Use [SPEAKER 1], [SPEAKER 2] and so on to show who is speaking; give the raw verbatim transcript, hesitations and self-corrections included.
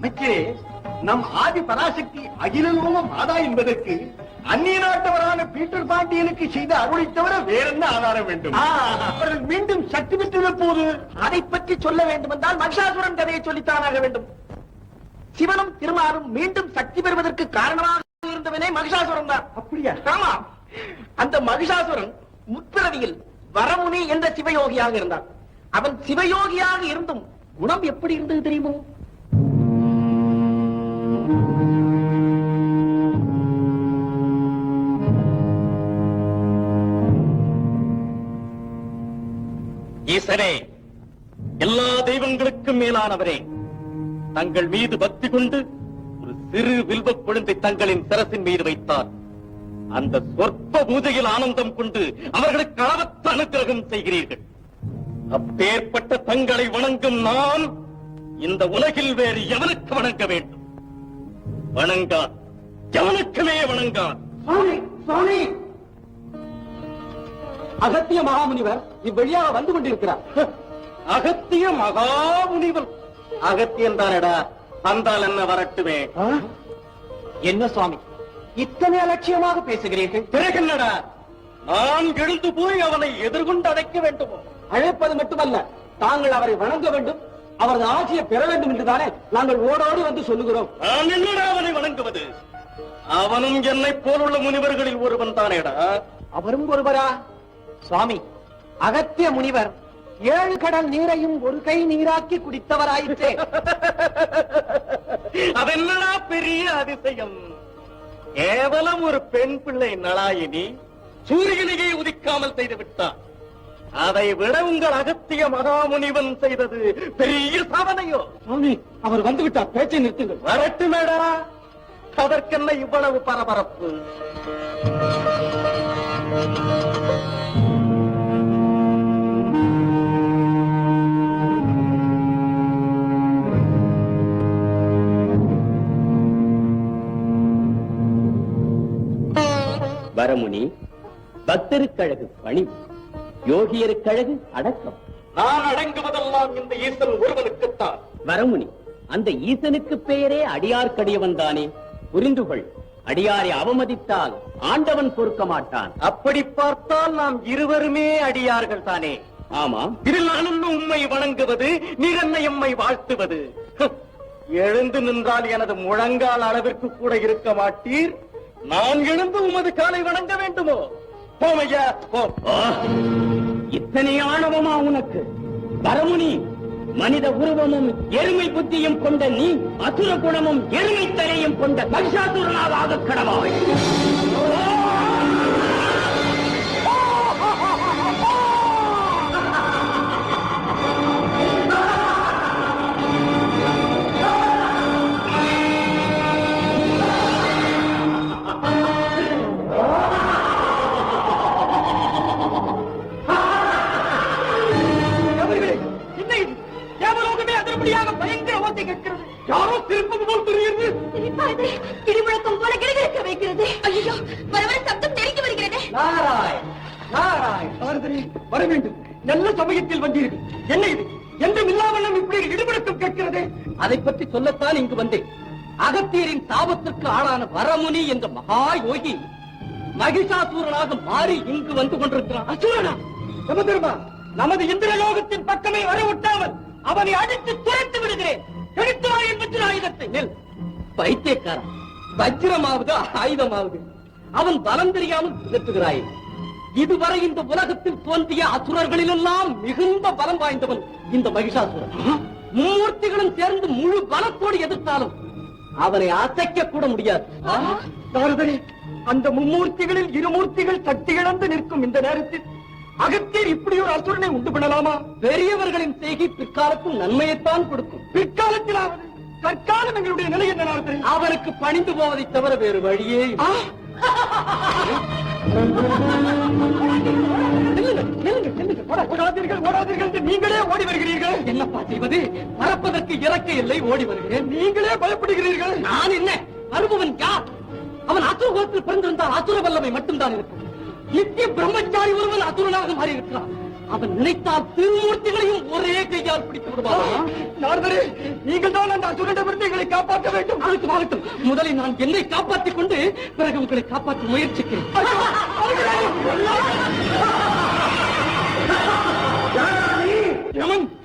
[SPEAKER 1] அமைச்சரே, நம் ஆதி பராசக்தி அகிலலோக மாதா என்பதற்கு அந்நிய நாட்டவரான பீட்டர் பாண்டியனுக்கு செய்த அருளை தவிர வேற என்ன ஆதாரம் வேண்டும்? அவர்கள் மீண்டும் சக்தி பெற்றது போது
[SPEAKER 2] அதை பற்றி சொல்ல வேண்டும் என்றால் மகிஷாசுரன் கதையை சொல்லித்தானாக வேண்டும். சிவனும் திருமாலும் மீண்டும் சக்தி பெறுவதற்கு காரணமாக இருந்தவனே மகிஷாசுரன் தான்.
[SPEAKER 1] அப்படியா?
[SPEAKER 2] ஆமா. அந்த மகிஷாசுரன் முற்பிறவியில் வரமுனி என்ற சிவயோகியாக இருந்தான். அவன் சிவயோகியாக இருந்தும் குணம் எப்படி இருந்தது தெரியுமோ?
[SPEAKER 3] ஈசனே, எல்லா தெய்வங்களுக்கும் மேலானவரே, தங்கள் மீது பக்தி கொண்டு ஒரு சிறு வில்வக் கொழுந்தை தங்களின் சிரசின் மீது வைத்தார். அந்த சொற்ப பூஜையில் ஆனந்தம் கொண்டு அவர்களுக்கு அளவற்ற அனுக்கிரகம் செய்கிறீர்கள். அப்பேற்பட்ட தங்களை வணங்கும் நான் இந்த உலகில் வேறு எவனுக்கு வணங்க வேண்டும்? வணங்கா, எவனுக்குமே வணங்கா.
[SPEAKER 2] சுவாமி, சுவாமி, அகத்திய மகாமுனிவர் இவ்வழியாக வந்து கொண்டிருக்கிறார்.
[SPEAKER 3] அகத்திய மகாமுனிவர்? அகத்தியன் தானடா, வந்தால் என்ன வரட்டுமே.
[SPEAKER 2] என்ன சுவாமி இத்தனை அலட்சியமாக பேசுகிறீர்கள்?
[SPEAKER 3] பிறகென்னடா, நான் எழுந்து போய் அவனை எதிர்கொண்டு அழைக்க வேண்டுமோ?
[SPEAKER 2] அழைப்பது மட்டுமல்ல, தாங்கள் அவரை வணங்க வேண்டும், அவரது ஆட்சியை பெற வேண்டும் என்றுதானே நாங்கள் ஓடோடி வந்து சொல்லுகிறோம்.
[SPEAKER 3] நான் என்னடா அவனை வணங்குவது? அவனும் என்னை போலுள்ள முனிவர்களில் ஒருவன் தானேடா.
[SPEAKER 2] அவரும் ஒருவரா? சுவாமி, அகத்திய முனிவர் ஏழு கடல் நீரையும் ஒரு கை நீராக்கி குடித்தவராயிற்றே.
[SPEAKER 3] அதென்னடா பெரிய அதிசயம்? கேவலம் ஒரு பெண் பிள்ளை நளாயினி சூரியனையே உதிக்காமல் செய்து விட்டார். அதை விட உங்கள் அகத்திய மகாமுனிவன் செய்தது பெரிய சாதனையோ?
[SPEAKER 2] சுவாமி, அவர் வந்து விட்டார், பேச்சை நிறுத்துங்கள்.
[SPEAKER 3] வரட்டுமேடா, அதற்கென்ன இவ்வளவு பரபரப்பு?
[SPEAKER 4] வரமுனி, பக்தருக்கழகு பணிவு, யோகியருக்கழகு அடக்கம்.
[SPEAKER 3] நான் அடங்குவதெல்லாம் இந்த ஈசன் ஒருவனுக்குத்தான்.
[SPEAKER 4] வரமுனி, அந்த ஈசனுக்கு பெயரே அடியார்க்கடியவன் தானே. புரிந்து கொள், அடியாரை அவமதித்தால் ஆண்டவன் பொறுக்க மாட்டான்.
[SPEAKER 3] அப்படி பார்த்தால் நாம் இருவருமே அடியார்கள் தானே.
[SPEAKER 4] ஆமாம்.
[SPEAKER 3] இதில் நான் உம்மை வணங்குவது, நீர் என்னை எம்மை வாழ்த்துவது. எழுந்து நின்றால் எனது முழங்கால் அளவிற்கு கூட இருக்க மாட்டீர். நான் எழுந்து உமது காலை வணங்க வேண்டுமோ? போமையா, போ.
[SPEAKER 4] இத்தனை ஆணவமா உனக்கு? வரமுனி, மனித உருவமும் எருமை புத்தியும் கொண்ட நீ அசுர குணமும் எருமை தலையும் கொண்ட மகிஷாசுரனாக ஆக கடவாய்.
[SPEAKER 2] பயங்கர ஓசை கேட்கிறது.
[SPEAKER 3] யாரோ திருப்பது போல் தெரிகிறது.
[SPEAKER 5] இடிமுழக்கம் போல கிடகிடக்க வைக்கிறது. ஐயோ, வர வர சப்தம் நெருங்கி வருகிறது.
[SPEAKER 2] நாராய் நாராய் வர வேண்டும். நல்ல சமயத்தில் வந்தீர்கள். என்ன இது? என்றும் இல்லாமல் இப்படி இடிமுழக்கம் கேட்கிறது. அதை பற்றி சொல்லத்தான் இங்கு வந்தேன். அகத்தியரின் சாபத்திற்கு ஆளான வரமுனி என்ற மகா யோகி மகிஷாசூரனாக மாறி இங்கு வந்து கொண்டிருக்கிறான். அசுரனா? யமதர்மா, நமது இந்திரலோகத்தின் பக்கமே வர விட்டாமல் அவனை அடித்து துரைத்து விடுகிறேன். எடுத்துவாய் என்பது ஆயுதத்தை. நெல் பைத்தியக்காரா, வஜ்ரமாவது ஆயுதமாவது அவன் பலம் தெரியாமல் பிதற்றுகிறாய். இதுவரை இந்த உலகத்தில் தோன்றிய அசுரர்களிலெல்லாம் மிகுந்த பலம் வாய்ந்தவன் இந்த மகிஷாசுரன். மும்மூர்த்திகளும் சேர்ந்து முழு பலத்தோடு எதிர்த்தாலும் அவனை அசைக்க கூட முடியாது. நாரதரே, அந்த மும்மூர்த்திகளில் இருமூர்த்திகள் சக்தி இழந்து நிற்கும் இந்த நேரத்தில் அகத்தியர் இப்படி ஒரு அசுரனை உண்டு பண்ணலாமா? பெரியவர்களின் செய்கை பிற்காலத்தில் நன்மையைத்தான் கொடுக்கும். பிற்காலத்தில் தற்காலம் எங்களுடைய நிலை என்ன நாரதரே? அவருக்கு பணிந்து போவதை தவிர வேறு வழியே. ஓடாதீர்கள், ஓடாதீர்கள் என்று நீங்களே ஓடி வருகிறீர்கள். என்னப்பா செய்வது? பறப்பதற்கு இறக்க இல்லை, ஓடி வருகிறேன். நீங்களே பயப்படுகிறீர்கள். நான் என்ன? வருபவன் யார்? அவன் அசுர குலத்தில் பிறந்திருந்தால் அசுர வல்லமை மட்டும்தான் இருக்கும். நித்திய பிரம்மச்சாரி ஒருவன் அசுரனாக மாறி இருக்கிறான். அவன் நினைத்தால் திருமூர்த்திகளையும் ஒரே கையால் பிடித்து விடுவான். நாரதரே, நீங்கள் தான் அந்த அசுரனிடமிருந்து எங்களை உங்களை காப்பாற்ற வேண்டும். ஆகட்டும் ஆகட்டும், முதலில் நான் என்னை காப்பாற்றிக் கொண்டு பிறகு உங்களை காப்பாற்ற முயற்சிக்கிறேன். யமன்